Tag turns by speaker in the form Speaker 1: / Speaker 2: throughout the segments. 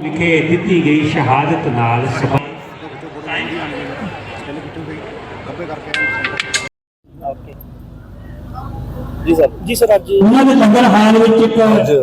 Speaker 1: ਵਿਖੇ ਦਿੱਤੀ ਗਈ ਸ਼ਹਾਦਤ ਨਾਲ
Speaker 2: जी सर आज
Speaker 1: उन्होंने लंगर हाल में एक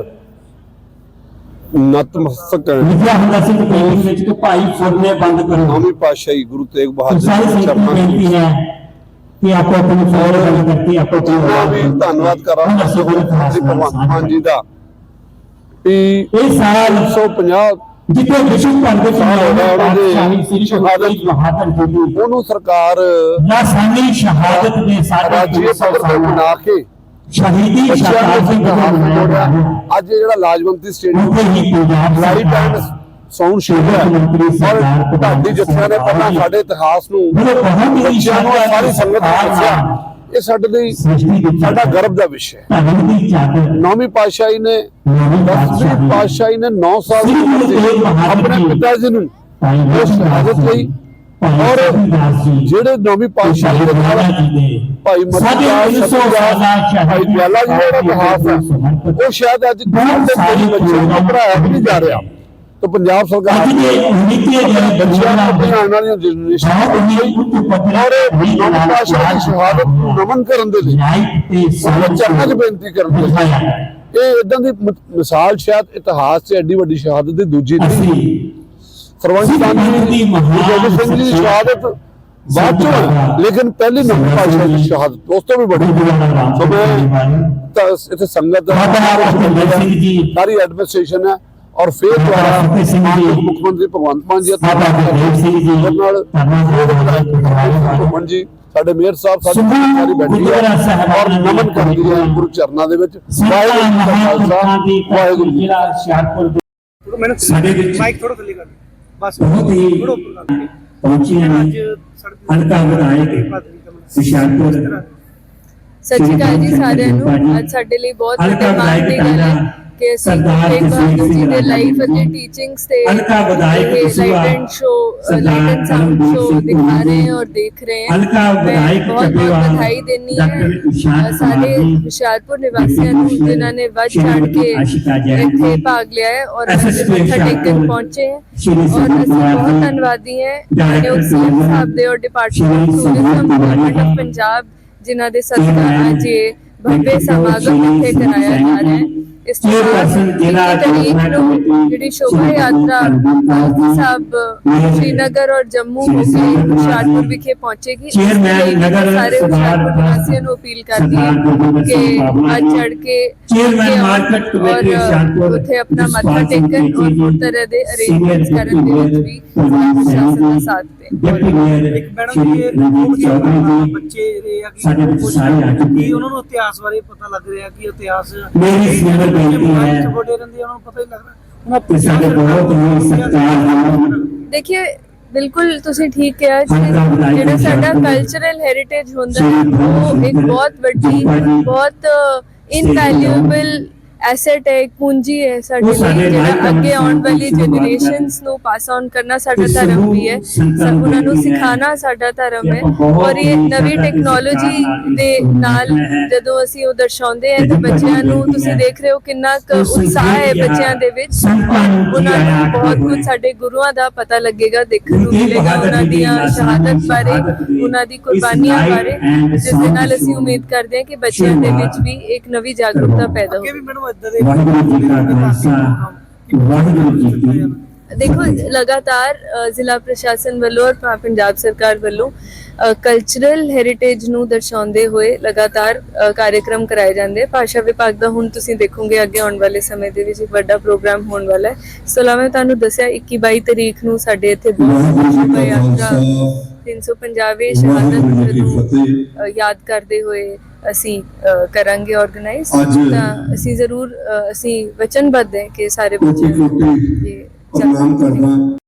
Speaker 3: नतमस्तक
Speaker 1: विद्या ਸਿੰਘ ਪੇਂਟਿੰਗ ਵਿੱਚ ਕਿ ਭਾਈ ਫੁਰਨੇ ਬੰਦ ਕਰੋ।
Speaker 3: नौवीं पातशाही गुरु तेग बहादुर
Speaker 1: सारी
Speaker 3: जी
Speaker 1: संगत
Speaker 3: चरणों
Speaker 1: बेनती
Speaker 3: में
Speaker 1: है कि आपको अपने फौर बंद करके आपको
Speaker 3: जिन्ना भी धन्यवाद करा भगवंत मान जी का
Speaker 1: ये सारा
Speaker 3: 150
Speaker 1: जितने विश्व भर के
Speaker 3: साल हो गए
Speaker 1: शाही श्री
Speaker 3: शहादत
Speaker 1: बहादुर जी
Speaker 3: ਉਹਨੂੰ ਸਰਕਾਰ
Speaker 1: लासानी शहादत ने सारे
Speaker 3: ਰਾਜੀਏ ਪੱਧਰ ਤੇ ਬਣਾ ਕੇ
Speaker 1: शहीदी
Speaker 3: ਬੱਚਿਆਂ
Speaker 1: शहादत
Speaker 3: ਨੂੰ
Speaker 1: को
Speaker 3: ਹੱਥ
Speaker 1: बनाया
Speaker 3: ਜੋੜਿਆ।
Speaker 1: है।
Speaker 3: ਅੱਜ ਇਹ ਜਿਹੜਾ ਲਾਜਵੰਤੀ ਸਟੇਡੀਅਮ
Speaker 1: उनके ही Punjab
Speaker 3: light and sound show ਹੈ ਔਰ ਢਾਡੀ ਜੱਥਿਆਂ ਨੇ ਪਹਿਲਾਂ ਸਾਡੇ ਇਤਿਹਾਸ ਨੂੰ ਬੱਚਿਆਂ ਨੂੰ ਸਾਰੀ ਸੰਗਤ ਨੂੰ ਦੱਸਿਆ। ਇਹ ਸਾਡੇ ਲਈ ਸਾਡਾ ਗਰਵ ਦਾ ਵਿਸ਼ਾ ਹੈ। ਨੌਵੀਂ ਪਾਤਸ਼ਾਹੀ ਨੇ 10ਵੀਂ ਪਾਤਸ਼ਾਹੀ ਨੇ 9 ਸਾਲ ਦੀ ਉਮਰ ਦੇ ਆਪਣੇ ਪਿਤਾ ਜੀ ਨੂੰ ਉਹ ਸ਼ਹਾਦਤ ਲਈ ਔਰ ਜਿਹੜੇ ਨੌਵੀਂ ਪਾਤਸ਼ਾਹੀ ਦੇ ਨਾਲ ਭਾਈ ਮਤੀ ਭਾਈ ਦਿਆਲਾ ਜੀ ਦਾ ਇਤਿਹਾਸ ਹੈ ਉਹ ਸ਼ਾਇਦ ਅੱਜ ਕੋਈ ਬੱਚੇ ਨੂੰ ਪੜ੍ਹਾਇਆ ਵੀ ਨਹੀਂ ਜਾ ਰਿਹਾ। तो पंजाब सरकार ਬੱਚਿਆਂ ਨੂੰ ਆਪਣੀ ਆਉਣ ਵਾਲੀਆਂ ਜਨਰੇਸ਼ਨ ਔਰ ਨੌਵੀਂ ਪਾਤਸ਼ਾਹੀ ਦੀ ਸ਼ਹਾਦਤ ਨੂੰ ਨਮਨ ਕਰਨ ਦੇ ਲਈ ਉਹਨਾਂ ਚਰਨਾਂ 'ਚ ਬੇਨਤੀ ਕਰਨ ਦੇ ਲਈ ਇਹ ਇਦਾਂ ਦੀ ਮਿਸਾਲ ਸ਼ਾਇਦ ਇਤਿਹਾਸ 'ਚ ਐਡੀ ਵੱਡੀ ਸ਼ਹਾਦਤ ਦੀ ਦੂਜੀ ਨਹੀਂ। ਸਰਵੰਸ ਜੀ ਗੁਰੂ ਸਿੰਘ ਜੀ ਦੀ ਸ਼ਹਾਦਤ ਬਾਅਦ ਚੋਂ ਲੇਕਿਨ ਪਹਿਲੀ ਨੌਵੀਂ ਪਾਤਸ਼ਾਹੀ ਦੀ ਸ਼ਹਾਦਤ ਉਸ ਤੋਂ ਵੀ ਬੜੀ। ਸੋ ਮੈਂ ਇੱਥੇ ਸੰਗਤ ਸਾਰੀ ਐਡਮਿਨਿਸਟ੍ਰੇਸ਼ਨ ਹੈ और फिर द्वारा मुख्यमंत्री भगवंत मान जी घुमन जी साडे मेयर साहब सारी बैठी है और नमन करती है गुरु चरणों दे विच। वाहिगुरू जी
Speaker 2: माइक थोड़ा थल्ले कर बस
Speaker 1: बहुत ही पहुंची हैं हल्का विधायक हुशियारपुर।
Speaker 4: सत श्री अकाल जी सारिਆਂ ਨੂੰ। ਅੱਜ ਸਾਡੇ ਲਈ ਬਹੁਤ ਵੱਡਾ ਮਾਣ ਦੀ ਗੱਲ ਹੈ ਕਿ ਅਸੀਂ ਤੇਗ ਬਹਾਦਰ ਜੀ ਦੇ ਲਾਈਫ ਅਤੇ ਟੀਚਿੰਗਸ ਤੇ light and show light and sound show ਦਿਖਾ ਰਹੇ हैं और देख रहे हैं। मैं बहुत बहुत बधाई देनी है ਸਾਰੇ ਹੁਸ਼ਿਆਰਪੁਰ ਨਿਵਾਸੀਆਂ ਨੂੰ ਜਿਨ੍ਹਾਂ ਨੇ ਵੱਧ ਚੜ੍ਹ ਕੇ ਇੱਥੇ ਭਾਗ ਲਿਆ ਹੈ ਔਰ ਮੱਥਾ ਟੇਕਣ ਪਹੁੰਚੇ ਹੈ ਔਰ ਅਸੀਂ ਬਹੁਤ ਧੰਨਵਾਦੀ ਹੈ ਮਾਨਯੋਗ ਸੀਐਮ ਸਾਹਿਬ ਦੇ ਔਰ department of tourism government of Punjab ਜਿਨ੍ਹਾਂ ਦੇ ਸਦਕਾ ਅੱਜ ਇਹ ਭव्य ਸਮਾਗਮ ਇੱਥੇ ਕਰਾਇਆ ਜਾ ਰਿਹਾ ਹੈ। ਇਸ ਤੋਂ ਬਾਅਦ ਜਿਹੜੀ ਸ਼ੋਭਾ ਯਾਤਰਾ ਪਾਲਕੀ ਸਾਹਿਬ श्रीनगर और जम्मू हो के ਹੁਸ਼ਿਆਰਪੁਰ ਵਿਖੇ ਪਹੁੰਚੇਗੀ। ਸਾਰੇ ਹੁਸ਼ਿਆਰਪੁਰ ਨਿਵਾਸੀਆਂ ਨੂੰ ਅਪੀਲ ਕਰਦੀ ਹੈ ਕਿ ਅੱਜ ਚੜ ਕੇ ਔਰ ਉੱਥੇ ਆਪਣਾ ਮੱਥਾ ਟੇਕਣ ਔਰ ਹੋਰ ਤਰ੍ਹਾਂ ਦੇ ਅਰੇਂਜਮੈਂਟਸ ਕਰਨ ਦੇ ਵਿੱਚ ਵੀ ਪ੍ਰਸ਼ਾਸਨ ਦਾ ਸਾਥ ਦੇਣ।
Speaker 2: ਇੱਕ ਮੈਡਮ ਇਹ ਬੱਚੇ ਰਹੇ ਆ ਕਿ ਉਹਨਾਂ ਨੂੰ ਇਤਿਹਾਸ ਬਾਰੇ ਪਤਾ ਲੱਗ ਰਿਹਾ ਕਿ ਇਤਿਹਾਸ
Speaker 4: देखिए बिल्कुल तुसी ठीक किया ਜਿਹੜਾ ਸਾਡਾ ਕਲਚਰਲ ਹੈਰੀਟੇਜ ਹੁੰਦਾ ਹੈ ਉਹ ਇੱਕ ਬਹੁਤ ਵੱਡੀ ਬਹੁਤ ਇਨਵੈਲਿਊਏਬਲ ਐਸੈਟ ਹੈ ਪੂੰਜੀ ਹੈ ਸਾਡੇ ਲਈ ਜਿਹੜਾ ਅੱਗੇ ਆਉਣ ਵਾਲੀ ਜਨਰੇਸ਼ਨਸ ਨੂੰ ਪਾਸ ਆਨ ਕਰਨਾ ਸਾਡਾ ਧਰਮ ਵੀ ਹੈ। ਸਭ ਉਹਨਾਂ ਨੂੰ ਸਿਖਾਉਣਾ ਸਾਡਾ ਧਰਮ ਹੈ ਔਰ ਇਹ ਨਵੀਂ ਟੈਕਨੋਲੋਜੀ ਦੇ ਨਾਲ ਜਦੋਂ ਅਸੀਂ ਉਹ ਦਰਸਾਉਂਦੇ ਹਾਂ ਤਾਂ ਬੱਚਿਆਂ ਨੂੰ ਤੁਸੀਂ ਦੇਖ ਰਹੇ ਹੋ ਕਿੰਨਾ ਉਤਸ਼ਾਹ ਹੈ ਬੱਚਿਆਂ ਦੇ ਵਿੱਚ। ਉਹਨਾਂ ਨੂੰ ਬਹੁਤ ਕੁਝ ਸਾਡੇ ਗੁਰੂਆਂ ਦਾ ਪਤਾ ਲੱਗੇਗਾ ਦੇਖਣ ਨੂੰ ਮਿਲੇਗਾ ਉਹਨਾਂ ਦੀਆਂ ਸ਼ਹਾਦਤ ਬਾਰੇ ਉਹਨਾਂ ਦੀ ਕੁਰਬਾਨੀਆਂ ਬਾਰੇ ਜਿਸ ਦੇ ਨਾਲ ਅਸੀਂ ਉਮੀਦ ਕਰਦੇ ਹਾਂ ਕਿ ਬੱਚਿਆਂ ਦੇ ਵਿੱਚ ਵੀ ਇੱਕ ਨਵੀਂ ਜਾਗਰੂਕਤਾ ਪੈਦਾ ਹੋਵੇ। देखो लगातार जिला प्रशासन वालों और पंजाब सरकार वालों कल्चरल हैरिटेज ਨੂੰ ਦਰਸਾਉਂਦੇ ਹੋਏ ਲਗਾਤਾਰ ਕਾਰਜਕ੍ਰਮ ਕਰਾਏ ਜਾਂਦੇ। ਭਾਸ਼ਾ ਵਿਭਾਗ ਦਾ ਹੁਣ ਤੁਸੀਂ ਦੇਖੋਗੇ ਅੱਗੇ ਆਉਣ ਵਾਲੇ ਸਮੇਂ ਦੇ ਵਿੱਚ ਇੱਕ ਵੱਡਾ ਪ੍ਰੋਗਰਾਮ ਹੋਣ ਵਾਲਾ ਹੈ। ਇਸ ਤੋਂ ਇਲਾਵਾ ਤੁਹਾਨੂੰ ਦੱਸਿਆ 21-22 ਤਰੀਕ ਨੂੰ ਸਾਡੇ ਇੱਥੇ ਸ਼ੋਭਾ ਯਾਤਰਾ 350ਵੇਂ ਸ਼ਹਾਦਤ ਨੂੰ ਯਾਦ ਕਰਦੇ ਹੋਏ ਅਸੀਂ ਕਰਾਂਗੇ ਆਰਗੇਨਾਈਜ਼। ਤਾਂ ਅਸੀਂ ਜ਼ਰੂਰ ਅਸੀਂ ਵਚਨਬੱਧ ਹੈ ਕਿ ਸਾਰੇ ਬੱਚਿਆਂ ਨੂੰ ਇਹ